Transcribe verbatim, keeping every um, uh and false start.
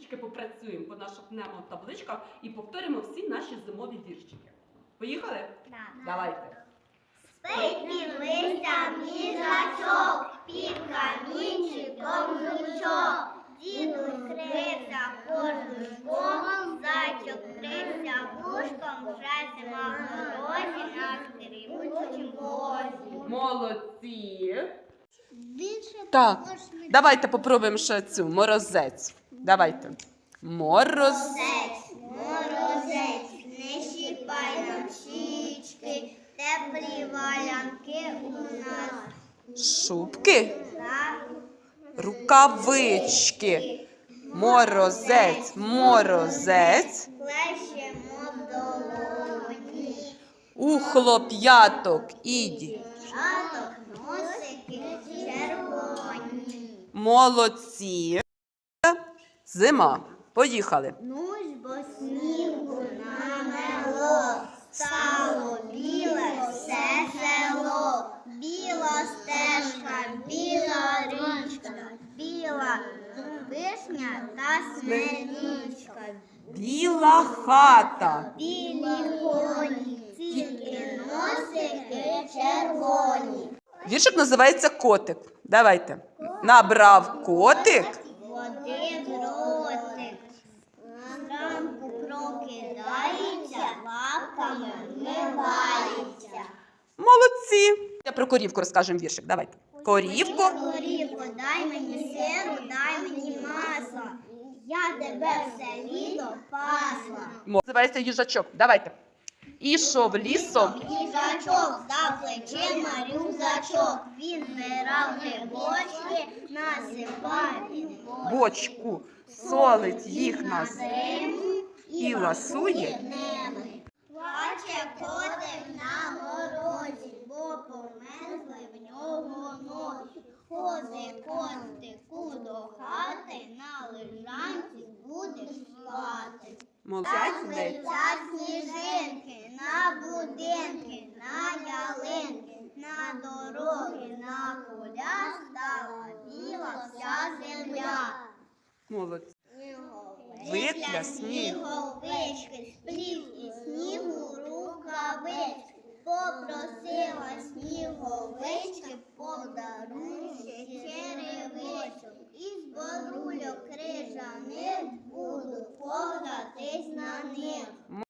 трішечки попрацюємо по наших мнемотабличках і повторимо всі наші зимові віршики. Поїхали? Да. Давайте. Спить під листям їжачок, під камінчиком жучок. Дідусь крився кожушком, зайчик крився вушком, вже зима в дорозі на скрипучім возі. Молодці. Більше Так, давайте попробуємо ще цю. Морозець. Давайте. Мороз. Морозець, морозець, не щіпай нам щічки, теплі валянки у нас. Шубки. Так. Рукавички. Морозець. Морозець. Плещемо в долоні. У хлоп'яток іді. Жаток, носики червоні. Молодці. Зима. Поїхали. Ну ж бо снігу намело, стало біле все село. Біла стежка, біла річка, біла вишня та смирічка. Біла хата. Білі коні, тільки носики червоні. Віршик називається Котик. Давайте. Набрав котик. Води в ротик, зранку прокидається, лапками вмивається. Молодці. Я про корівку розкажемо віршик. Давайте. Корівку. Корівко, дай мені сиру, дай мені масла, я тебе все літо пасла. Називається їжачок. Давайте. Ішов лісом. Їжачок за плечима рюкзачок, він збирав грибочки, насипав під Бочку. Солить їх на зиму і ласує. ними. Плаче котик на морозі, бо померзли в нього ноги. Ходи, котику, до хати, на лежанці будеш спати. Молодець. Летять сніжинки, на будинки, на ялинки, на дороги, на поля стала біла вся земля. Молодці. Викля сніговички, сплів і снігу рукавички, попросила сніговички